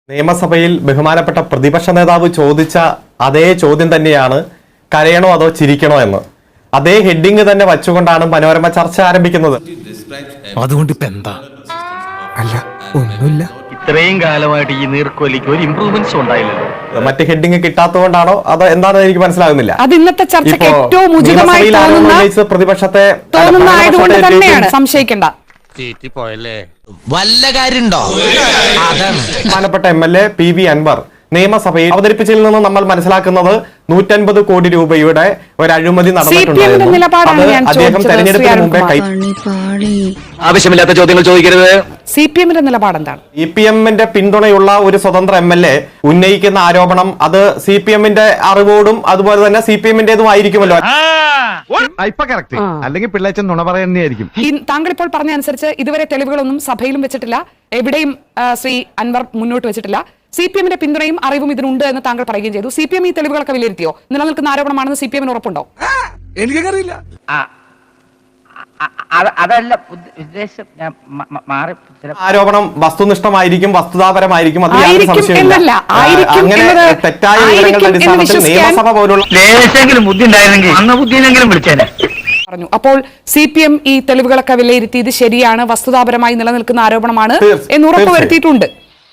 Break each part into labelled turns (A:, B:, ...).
A: നിയമസഭയിൽ ബഹുമാനപ്പെട്ട പ്രതിപക്ഷ നേതാവ് ചോദിച്ച അതേ ചോദ്യം തന്നെയാണ്, കരയണോ അതോ ചിരിക്കണോ എന്ന്. അതേ ഹെഡിങ് തന്നെ വച്ചുകൊണ്ടാണ് മനോരമ ചർച്ച ആരംഭിക്കുന്നത്.
B: അതുകൊണ്ട് ഇപ്പൊ എന്താ? അല്ല, ഒന്നുമില്ല.
C: ഇത്രയും കാലമായിട്ട് ഈ നീർക്കോലിക്ക് ഒരു ഇംപ്രൂവ്മെന്റ്സ് ഉണ്ടായില്ലല്ലോ.
A: മറ്റ് ഹെഡിങ് കിട്ടാത്തതുകൊണ്ടാണോ അതോ എന്താണെന്ന് എനിക്ക് മനസ്സിലാകുന്നില്ല.
D: അത് ഇന്നത്തെ ചർച്ചയ്ക്ക് ഏറ്റവും ഉചിതമായി
A: പ്രതിപക്ഷത്തെ
D: തന്നെയാണ്, സംശയിക്കേണ്ട.
B: വല്ല കാര്യണ്ടോ?
A: ബഹുമാനപ്പെട്ട MLA PV അൻവർ നിയമസഭയിൽ അവതരിപ്പിച്ചതിൽ നിന്ന് നമ്മൾ മനസ്സിലാക്കുന്നത് 150 കോടി രൂപയുടെ ഒരു അഴിമതി നടന്നിട്ടുണ്ടായിരുന്നു. അദ്ദേഹം തെരഞ്ഞെടുപ്പിന് മുമ്പേ
C: ആവശ്യമില്ലാത്ത ചോദ്യങ്ങൾ ചോദിക്കരുത്.
D: CPM-ന്റെ നിലപാട് എന്താണ്?
A: CPM-ന്റെ പിന്തുണയുള്ള ഒരു സ്വതന്ത്ര MLA ഉന്നയിക്കുന്ന ആരോപണം അത് CPM-ന്റെ അറിവോടും അതുപോലെ തന്നെ CPM-ന്റേതും ആയിരിക്കുമല്ലോ.
E: അല്ലെങ്കിൽ പിള്ളേച്ചൻ നുണ പറയുന്നതായിരിക്കും.
D: താങ്കൾ ഇപ്പോൾ പറഞ്ഞ അനുസരിച്ച് ഇതുവരെ തെളിവുകളൊന്നും സഭയിലും വെച്ചിട്ടില്ല, എവിടെയും ശ്രീ അൻവർ മുന്നോട്ട് വെച്ചിട്ടില്ല. CPM-ന്റെ പിന്തുണയും അറിവും ഇതിനുണ്ട് എന്ന് താങ്കൾ പറയുകയും ചെയ്തു. CPM ഈ തെളിവുകളൊക്കെ വിലയിരുത്തിയോ? നിലനിൽക്കുന്ന ആരോപണമാണെന്ന് CPM-ന് ഉറപ്പുണ്ടോ?
E: എനിക്കറിയില്ല.
F: അതല്ല ഉദ്ദേശം. ഞാൻ മാറി
A: ആരോപണം വസ്തുനിഷ്ഠമായിരിക്കും, വസ്തുതാപരമായിരിക്കും. തെറ്റായ വിവരങ്ങളുടെ അടിസ്ഥാനത്തിൽ നിയമസഭ പോലുള്ള
C: ബുദ്ധി ഉണ്ടായിരുന്നെങ്കിൽ അന്ന ബുദ്ധിയിലെങ്കിലും വിളിച്ചേനെ
D: പറഞ്ഞു. അപ്പോൾ CPM ഈ തെളിവുകളൊക്കെ വിലയിരുത്തി ഇത് ശരിയാണ്, വസ്തുതാപരമായി നിലനിൽക്കുന്ന ആരോപണമാണ് എന്ന് ഉറപ്പുവരുത്തിയിട്ടുണ്ട്.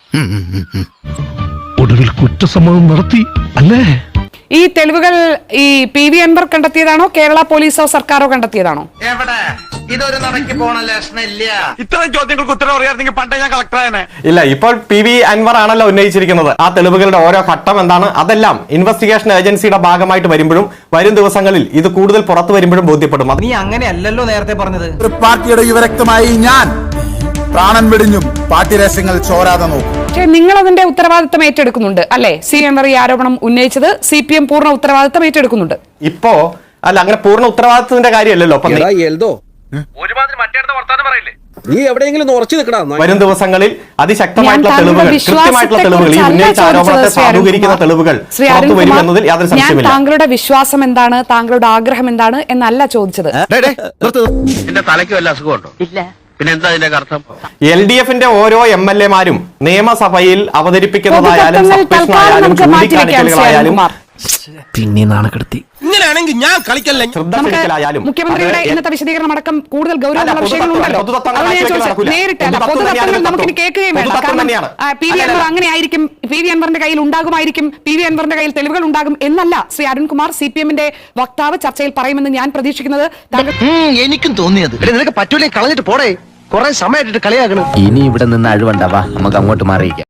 B: ഒടുവിൽ കുറ്റസമ്മതം നടത്തി അല്ലേ?
D: ഈ തെളിവുകൾ ഈ PV അൻവർ കണ്ടെത്തിയതാണോ, കേരള പോലീസോ സർക്കാരോ കണ്ടെത്തിയതാണോ?
C: ഇതൊരു നടക്കി പോണ ലക്ഷണില്ല.
E: ഇത്തരം ചോദ്യങ്ങൾക്ക് ഉത്തരം അറിയാമെങ്കിൽ പണ്ടേ ഞാൻ കളക്ടറായനെ.
A: ഇല്ല, ഇപ്പോൾ PV അൻവർ ആണല്ലോ ഉന്നയിച്ചിരിക്കുന്നത്. ആ തെളിവുകളുടെ ഓരോ ഘട്ടം എന്താണ്, അതെല്ലാം ഇൻവെസ്റ്റിഗേഷൻ ഏജൻസിയുടെ ഭാഗമായിട്ട് വരുമ്പോഴും വരും ദിവസങ്ങളിൽ ഇത് കൂടുതൽ പുറത്തു വരുമ്പോഴും ബോധ്യപ്പെടും.
F: നീ അങ്ങനെയല്ലല്ലോ നേരത്തെ പറഞ്ഞത്.
G: ഒരു പാർട്ടിയുടെ യുവരക്തമായി ഞാൻ പ്രാണൻ വെടിഞ്ഞും പാർട്ടി രഹസ്യങ്ങൾ ചോരാതെ നോക്കും.
D: പക്ഷേ നിങ്ങൾ അതിന്റെ ഉത്തരവാദിത്തം ഏറ്റെടുക്കുന്നുണ്ട് അല്ലെ? അൻവർ ഈ ആരോപണം ഉന്നയിച്ചത് CPM പൂർണ്ണ ഉത്തരവാദിത്തം ഏറ്റെടുക്കുന്നുണ്ട്.
A: ഇപ്പോ അല്ല, അങ്ങനെ പൂർണ്ണ ഉത്തരവാദിത്തത്തിന്റെ കാര്യമല്ലല്ലോ.
H: നീ എവിടെയെങ്കിലും ഉറച്ചു നിൽക്കണം.
A: വരും ദിവസങ്ങളിൽ അതിശക്തമായിട്ടുള്ള തെളിവുകൾ, കൃത്യമായിട്ടുള്ള തെളിവുകൾ, ഈ ഉന്നയിച്ച ആരോപണത്തെ സാധൂകരിക്കുന്ന തെളിവുകൾ പുറത്തു വരും എന്നതിൽ യാതൊരു സംശയമില്ല.
D: താങ്കളുടെ വിശ്വാസം എന്താണ്, താങ്കളുടെ ആഗ്രഹം എന്താണ് എന്നല്ല ചോദിച്ചത്.
C: എന്റെ തലയ്ക്ക് വല്ല അസുഖമുണ്ടോ? ഇല്ല. പിന്നെ എന്താ അതിന്റെ അർത്ഥം?
A: LDF-ന്റെ ഓരോ MLA-മാരും നിയമസഭയിൽ അവതരിപ്പിക്കുന്നതായാലും സബ്മിഷനായാലും ചൂണ്ടിക്കാണിക്കലുകളായാലും
B: പിന്നെ നാണക്കെടുത്തി. ഇങ്ങനെയാണെങ്കിൽ ഞാൻ കളിക്കല്ല.
A: ശ്രദ്ധയാലും
D: മുഖ്യമന്ത്രിയുടെ ഇന്നത്തെ വിശദീകരണം അടക്കം കൂടുതൽ ഗൗരവമുള്ള വിഷയങ്ങളുണ്ടല്ലോ. നേരിട്ടല്ല, പൊതുതത്വങ്ങൾ നമുക്കിനി കേൾക്കുകയും വേണ്ട. കാരണം PV അൻവർ അങ്ങനെ ആയിരിക്കും, PV അൻവറിന്റെ കയ്യിൽ ഉണ്ടാകുമായിരിക്കും, PV അൻവറിന്റെ കയ്യിൽ തെളിവുകൾ ഉണ്ടാകും എന്നല്ല ശ്രീ അരുൺകുമാർ CPM-ന്റെ വക്താവ് ചർച്ചയിൽ പറയുമെന്ന് ഞാൻ പ്രതീക്ഷിക്കുന്നത്.
H: എനിക്കും തോന്നിയത് നിനക്ക് പറ്റൂലേ, കളഞ്ഞിട്ട് പോടേ. കുറെ സമയമായിട്ട് കളിയാക്കണം.
F: ഇനി ഇവിടെ നിന്ന് അഴിവണ്ടാവാ, നമുക്ക് അങ്ങോട്ട് മാറിയിക്കാം.